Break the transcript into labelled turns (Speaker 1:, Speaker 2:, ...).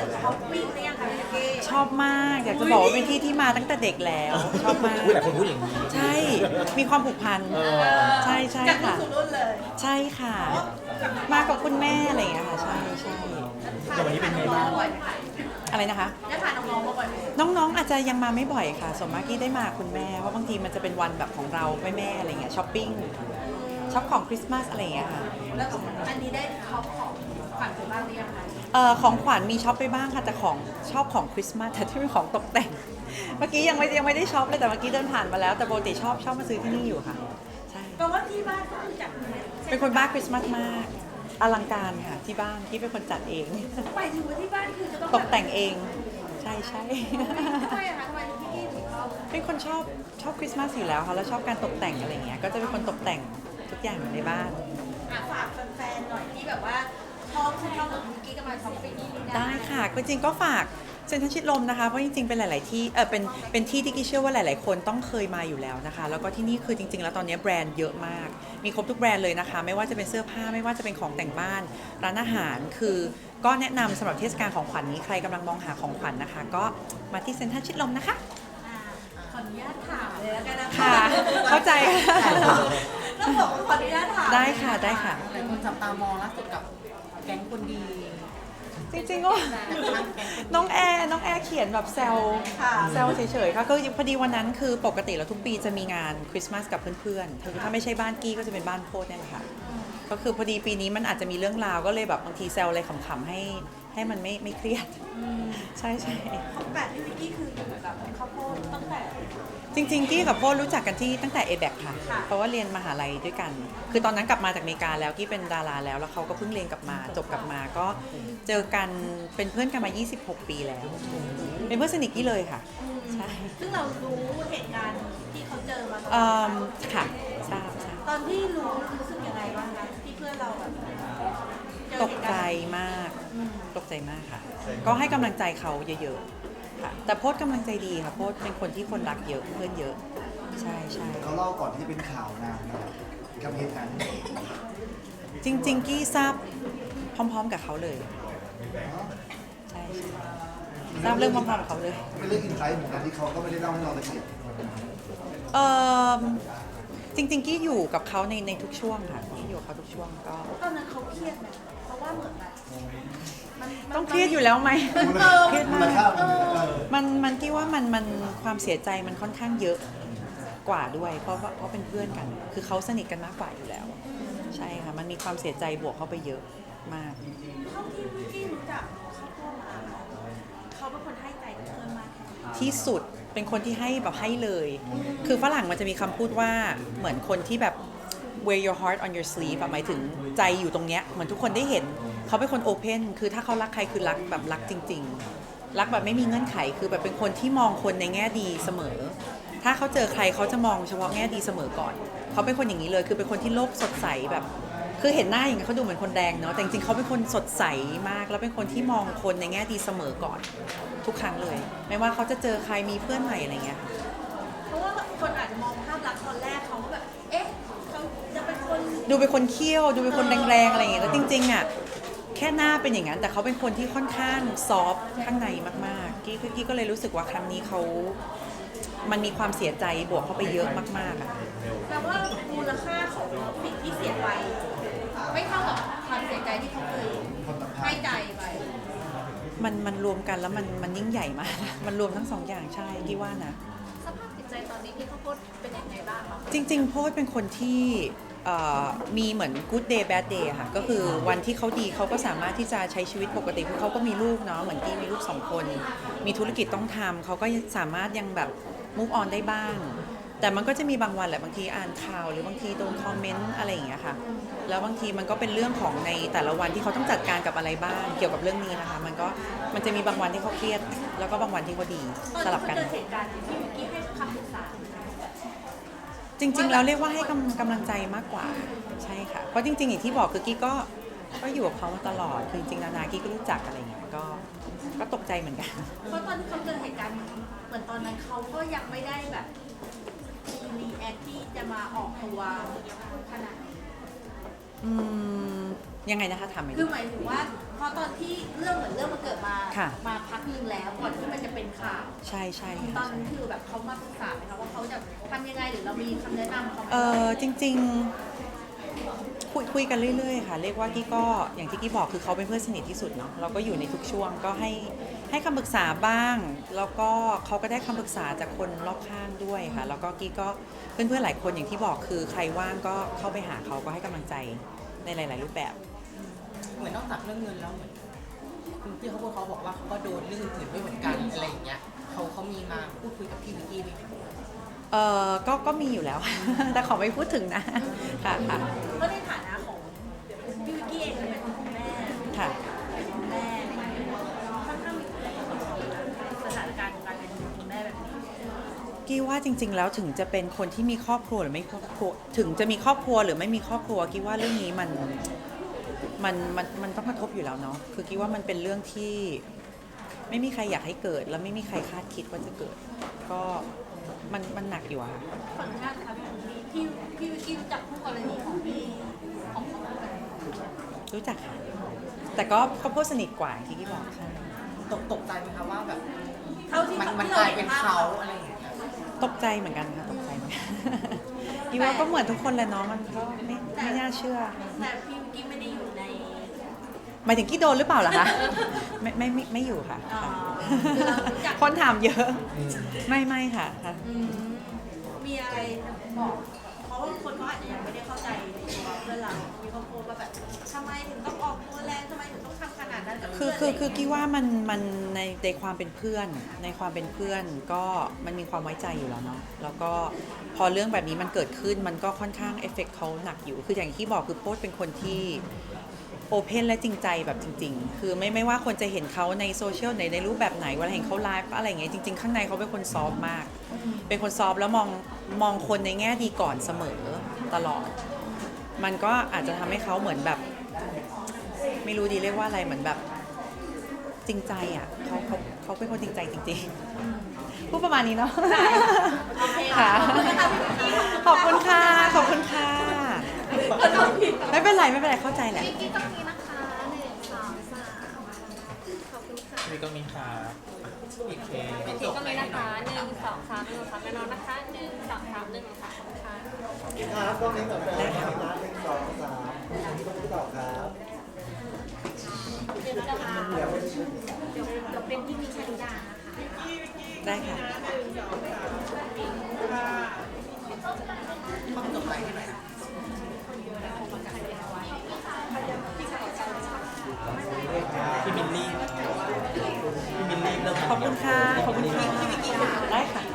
Speaker 1: ช้อปปิ้งหรือยังคะพี่เก้
Speaker 2: ชอบมากอยากจะบอกว่าเป็นที่ที่มาตั้งแต่เด็กแล้วชอบมาก
Speaker 3: หลายคนพูดอย่างนี้
Speaker 2: ใช่มีความผูกพันใช่ใช่
Speaker 1: จากรุ่น
Speaker 2: ค่ะ
Speaker 1: สู่รุ่นเลย
Speaker 2: ใช่ค่ะ มากับคุณแม่อะไรอย่างเงี้ยค่ะใช่ใช่
Speaker 3: แต่วันนี้เป็นไงบ้าง
Speaker 1: บ่อยไหมคะ
Speaker 2: อะไรนะคะ
Speaker 1: ได้พาน้องๆมาบ่อยไหม
Speaker 2: น้องๆอาจจะยังมาไม่บ่อยค่ะส่วนมากที่ได้มาคุณแม่เพราะบางทีมันจะเป็นวันแบบของเราแม่ๆอะไรเงี้ยช้อปปิ้งช็อปของคริสต์มาสอะไรอย่างเงี้ยค่ะ
Speaker 1: แล้วอันนี้ได้ช็อปของขวัญไปบ้างหรือยังคะ
Speaker 2: ของขวัญมีช็อปไปบ้างค่ะแต่ของชอบของคริสต์มาสแต่ที่เป็นของตกแต่ง เมื่อกี้ยังไม่ได้ช็อปเลยแต่เมื่อกี้เดินผ่านมาแล้วแต่ปกติชอบมาซื้อที่นี่อยู่ค่ะใช่
Speaker 1: แปลว่าที่บ้านก็คือจัด
Speaker 2: เป็นคนบ้าคริสต์มาสมากอลังการค่ะที่บ้านที่เป็นคนจัดเอง
Speaker 1: ไปถึงว่าที่บ้านคือจะต้อง
Speaker 2: ตกแต่งเองใช่ใช่
Speaker 1: ทำไมอะคะทำไมพี่เก้ถึงชอบ
Speaker 2: เป็นคนชอบคริสต์มาสอยู่แล้วค่ะแล้วชอบการตกแต่งอะไรเงี้ยก็จะเป็นคนตกแต่งทุกอย่างในบ้าน
Speaker 1: ฝากแฟนๆหน่อยที่แบบว่าชอบแบบพี่เก้ก็มาช้อปปิ้งนี่นะ
Speaker 2: ได้ค่ะจริงๆก็ฝากเซ็นทรัลชิดลมนะคะเพราะจริงๆเป็นหลายๆที่เป็นที่ที่กิ๊กเชื่อว่าหลายๆคนต้องเคยมาอยู่แล้วนะคะแล้วก็ที่นี่คือจริงๆแล้วตอนนี้แบรนด์เยอะมากมีครบทุกแบรนด์เลยนะคะไม่ว่าจะเป็นเสื้อผ้าไม่ว่าจะเป็นของแต่งบ้านร้านอาหารคือก็แนะนำสำหรับเทศกาลของขวัญนี้ใครกำลังมองหาของขวัญนะคะ ก็มาที่เซ็นทรัลชิดลมนะคะ
Speaker 1: ขออนุญาตถามเลยแล้วกันนะคะ
Speaker 2: ค่ะเข้าใจ
Speaker 1: ต้องบอกว่าขออนุญาตถาม
Speaker 2: ได้ค่ะได้ค่ะ
Speaker 4: หลายคนจับตามองล่าสุดกับแก๊งคนดี
Speaker 2: จริงๆก็น้องแอร์เขียนแบบแซวเฉยๆค่ะก็พอดีวันนั้นคือปกติแล้วทุกปีจะมีงานคริสต์มาสกับเพื่อนๆคือถ้าไม่ใช่บ้านกี้ก็จะเป็นบ้านโพดเนี่ยแหละค่ะก็คือพอดีปีนี้มันอาจจะมีเรื่องราวก็เลยแบบบางทีแซวอะไรขำๆให้มันไม่เครียดใช่ใช่
Speaker 1: แบบพี่วิกกี้คืออยู่กับข้าวโพดตั้งแต่
Speaker 2: จริงๆกี้กับโพดรู้จักกันที่ตั้งแต่ ABAC ค่ะ
Speaker 1: ค่ะ
Speaker 2: เพราะว่าเรียนมหาลัยด้วยกัน คือตอนนั้นกลับมาจากอเมริกาแล้วกี้เป็นดาราแล้วเขาก็เพิ่งเรียนกลับมาจบกลับมาก็เจอกันเป็นเพื่อนกันมา 26 ปีแล้ว เป็นเพื่อนสนิทกี้เลยค่ะใช่
Speaker 1: ซึ่งเรารู้เหตุการณ์ที่เขาเจอมาตอน
Speaker 2: ค่ะทราบ
Speaker 1: ตอนที่รู้สึกยังไงบ้างคะที่เพื่อนเราแบบเจอ
Speaker 2: ตก
Speaker 1: เหตุ
Speaker 2: ใจ
Speaker 1: การณ์
Speaker 2: มากตกใจมากค่ะ ก็ให้กำลังใจเขาเยอะๆค่ะแต่โพดกำลังใจดีค่ะโพดเป็นคนที่คนรักเยอะเพื่อนเยอะใช่ใช่
Speaker 5: เขาเล่าก่อนที่จะเป็นข่าวนานนะครับกับเหตุการณ์นี้
Speaker 2: จริงๆกี้ทราบพร้อมๆกับเขาเลยใช่ทราบเรื่องพร้อมๆกับเขาเลย
Speaker 5: เป็นเรื่องอินไซต์เหมือนกันที่เขาก็ไม่ได้เล่าให้เราละเอียด
Speaker 2: เออจริงๆกี้อยู่กับเขาในทุกช่วงค่ะกี้อยู่กับเขาทุกช่วงก็
Speaker 1: ตอนนั้นเขาเครียดไหมเพราะว่าเหมือนแบบมัน
Speaker 2: ต้องเครียดอยู่แล้วไหมเครียด
Speaker 5: มู
Speaker 2: มา
Speaker 5: ล
Speaker 2: ก
Speaker 5: ค่ามัน
Speaker 2: มันกี้ว่ามันความเสียใจมันค่อนข้างเยอะกว่าด้วย เพราะเป็นเพื่อนกัน คือเขาสนิทกันมากกว่าอยู่แล้ว ใช่ค่ะมันมีความเสียใจบวกเข้าไปเยอะมาก
Speaker 1: เท่าที่วิกกี้รู้จักเขาโทรมาเขาเป็นคนให้ใจกับเพื่อนมากแค่ไหน
Speaker 2: ที่สุดเป็นคนที่ให้แบบให้เลย คือฝรั่งมันจะมีคำพูดว่าเหมือนคนที่แบบ wear your heart on your sleeve แบบหมายถึงใจอยู่ตรงเนี้ยเหมือนทุกคนได้เห็นเขาเป็นคนโอเพนคือถ้าเขารักใครคือรักแบบรักจริง ๆ รักแบบไม่มีเงื่อนไขคือแบบเป็นคนที่มองคนในแง่ดีเสมอ ถ้าเขาเจอใครเขาจะมองเฉพาะแง่ดีเสมอก่อน เขาเป็นคนอย่างนี้เลยคือเป็นคนที่โลกสดใสแบบคือเห็นหน้าอย่างนี้เขาดูเหมือนคนแดงเนาะแต่จริงๆเขาเป็นคนสดใสมากแล้วเป็นคนที่มองคนในแง่ดีเสมอก่อน ทุกครั้งเลย ไม่ว่าเขาจะเจอใครมีเพื่อนใหม่อะไรเงี้ยค่ะ
Speaker 1: เพราะว่าคนอาจจะมองภาพลักษณ์ตอนแรกเขาก็แบบ เอ๊ะเขาจะเป็นคน
Speaker 2: ดูเป็นคนเคี้ยวดูเป็นคนแรงๆอะไรอย่างเงี้ยแล้วจริงๆอ่ะแค่หน้าเป็นอย่างนั้นแต่เขาเป็นคนที่ค่อนข้างซอฟต์ข้างในมากๆกี้ก็เลยรู้สึกว่าครั้งนี้เขามันมีความเสียใจบวกเข้าไปเยอะมากๆอ่ะ
Speaker 1: แปลว่ามูลค่าของสิ่งที่เสียไป ไม่เท่ากับความเสียใจที่เขาเคยให้ใจไป
Speaker 2: มันรวมกันแล้วมันยิ่งใหญ่มาก มันรวมทั้งสองอย่างใช่กี้ว่านะ
Speaker 1: สภาพจิตใจตอนนี้พี่ข้าวโพดเป็นยังไงบ้างคะ
Speaker 2: จริงๆโพสเป็นคนที่มีเหมือน good day bad day ค่ะก็คือวันที่เขาดีเขาก็สามารถที่จะใช้ชีวิตปกติเพราะเขาก็มีลูกเนาะเหมือนกี้มีลูก2 คนมีธุรกิจต้องทำเขาก็สามารถยังแบบ move on ได้บ้าง แต่มันก็จะมีบางวันแหละบางทีอ่านข่าวหรือบางทีโดนคอมเมนต์อะไรอย่างเงี้ยค่ะแล้วบางทีมันก็เป็นเรื่องของในแต่ละวันที่เขาต้องจัดการกับอะไรบ้างเกี่ยวกับเรื่องนี้นะคะมันจะมีบางวันที่เขาเครียดแล้วก็บางวันที่เขาดีสลับกัน
Speaker 1: ตอนที่เขาเจอเหตุการณ์ที่วิกกี้ให้คำปรึกษา
Speaker 2: จริงๆแล้วเรียกว่าให้กำลังใจมากกว่าใช่ค่ะเพราะจริงๆอย่างที่บอกคือกี้ก็อยู่กับเขามาตลอดคือจริงๆนากี้ก็รู้จักอะไรเงี้ยก็ตกใจเหมือนกัน
Speaker 1: เพราะตอนที่เขาเจอเหตุการณ์เหมือนตอนนั้นเขาก็ยังไม่ได้แบบมีรีแอคที่จะมาออกตัวขนาดนี้
Speaker 2: อืมยังไงนะคะถามไหม
Speaker 1: คือหมายถึงว่าพอตอนที่เรื่องเหมือนเรื่องมันเกิดมา
Speaker 2: ค่ะ
Speaker 1: มาพักนึงแล้วก่อนที่มันจะเป็นข่าว
Speaker 2: ใช่ใช่
Speaker 1: ตอนนั้นคือแบบเขามาปรึกษาไหมคะว่าเขาจะทำยังไงหรือเรามีคำแนะนำเขาไหม
Speaker 2: จริงๆคุยกันเรื่อยๆค่ะเรียกว่ากี้ก็อย่างที่กี้บอกคือเขาเป็นเพื่อนสนิทที่สุดเนาะเราก็อยู่ในทุกช่วงก็ให้คำปรึกษาบ้าง แล้วก็เขาก็ได้คำปรึกษาจากคนรอบข้างด้วยค่ะแล้วก็กี้ก็เพื่อนๆหลายคนอย่างที่บอกคือใครว่างก็เข้าไปหาเขาก็ให้กำลังใจในหลาย ๆ รูปแบบ
Speaker 4: เหมือนนอกจากเรื่องเงินแล้วเหมือนคุณพี่เขาบอกว่าเขาก็โดนเรื่องอื่นๆด้วยเหมือนกันอะไรอย่างเงี้ยเขามีมาพูดคุยกับพี่วิกกี้ไหม
Speaker 2: ก็มีอยู่แล้ว แต่ขอไม่พูดถึงนะค่ะค่ะ
Speaker 1: ก็ในฐานะของพี่วิกกี้เองก็เป็นคุณแม่
Speaker 2: ค่ะ
Speaker 1: เป็นคุณแม่อะไรอย่างเงี้ยค่อนข้างมีสถานการณ์ของการเป็นคุณแม่แบบนี้
Speaker 2: กี้ว่าจริง ๆ แล้วถึงจะเป็นคนที่มีครอบครัวหรือไม่ครอบครัวถึงจะมีครอบครัวหรือไม่มีครอบครัวกี้ว่าเรื่องนี้มันต้องกระทบอยู่แล้วเนาะคือกี้ว่ามันเป็นเรื่องที่ไม่มีใครอยากให้เกิด แล้วไม่มีใครคาดคิดว่าจะเกิด ก็มันหนักอยู่อะค่ะ
Speaker 1: ขออนุญาตนะคะพี่วิกกี้รู้จักคู่กรณีของพี่ของเขาไหม
Speaker 2: รู้จักค่ะแต่ก็เพื่อนสนิทกว่าอย่างที่กี้บอกใช่
Speaker 4: ตกใจไหมคะว่าแบบ
Speaker 1: เท่าที่
Speaker 4: มัน
Speaker 1: ที่
Speaker 4: ก
Speaker 1: ร
Speaker 4: ลาย
Speaker 1: ห็
Speaker 4: เป็น
Speaker 1: ภพ
Speaker 4: เขาอะไรอย่างเงี้ย
Speaker 2: ตกใจเหมือนกันค่ะตกใจเหมือนกัน กี้ว่าก็เหมือนทุกคนแหละเนาะมันก็ไม่น่าเชื่อ
Speaker 1: แต่พี่วิกกี้ไม่ได้อยู่ใน
Speaker 2: หมายถึงกี้โดนหรือเปล่าล่ะคะ ไม่อยู่ค่ะ
Speaker 1: อ๋อ
Speaker 2: ค่ะ
Speaker 1: คือเรารู้จัก
Speaker 2: คนถามเยอะ ไม่ค่ะค่ะ
Speaker 1: อืมมีอะไรจะบอก เพราะว่าคนเขาอาจจะยังไม่ได้เข้าใจตัวเพื่อนเรา มีคนโพสต์ว่าแบบทำไมถึงต้องออกตัวแรงทำไมถึงต้องทำขนาดนั้นกับ
Speaker 2: คื
Speaker 1: เพื่
Speaker 2: อ
Speaker 1: อน
Speaker 2: คือกี้ว่ามันในความเป็นเพื่อนในความเป็นเพื่อนก็มันมีความไว้ใจอยู่แล้วเนาะแล้วก็พอเรื่องแบบนี้มันเกิดขึ้นมันก็ค่อนข้างเอฟเฟกต์เขาหนักอยู่ คืออย่างที่บอกคือโพสต์เป็นคนที่โอเพนและจริงใจแบบจริง ๆ คือไม่ว่าคนจะเห็นเขาในโซเชียลในรูปแบบไหนเวลาเห็นเขาไลฟ์ก็อะไรอย่างเงี้ยจริงๆข้างในเขาเป็นคนซอฟต์มาก เป็นคนซอฟต์แล้วมองคนในแง่ดีก่อนเสมอตลอด มันก็อาจจะทำให้เขาเหมือนแบบ ไม่รู้ดีเรียกว่าอะไรเหมือนแบบจริงใจอ่ะเขาเป็นคนจริงใจจริงๆพูดประมาณนี้เนาะ
Speaker 1: โอเค
Speaker 2: ค่ะ
Speaker 1: ขอบคุณค่ะ
Speaker 2: ขอบคุณค่ะไม่เป็นไรเข้าใจแหละ
Speaker 1: พี่ต้องมีนะคะ1 2 3ขอบคุณค่ะ
Speaker 3: นี่ก็มีครับอีกเค
Speaker 4: เป็น
Speaker 6: ก็
Speaker 4: จบ
Speaker 6: มี
Speaker 4: ไป
Speaker 6: นะ
Speaker 4: หน่
Speaker 6: คะ
Speaker 4: อย
Speaker 6: 1 2 3 1 2 3แน่นอนนะคะ1 2 3 1 2 3ขอบคุณค่ะ
Speaker 5: ครับกล้องนี้ก่อนนะครับนะ1 2 3ที่ต้องตอบครับ
Speaker 1: เดี๋ยวเป็นที่มีชลิดานะคะ
Speaker 2: ได้ค่ะ
Speaker 4: ต้องจบไปให้หน่อยนะ
Speaker 3: พี่มินนี่เริ่ม
Speaker 2: ขอบคุณค่ะ ขอบคุณค่ะ ได้ค่ะ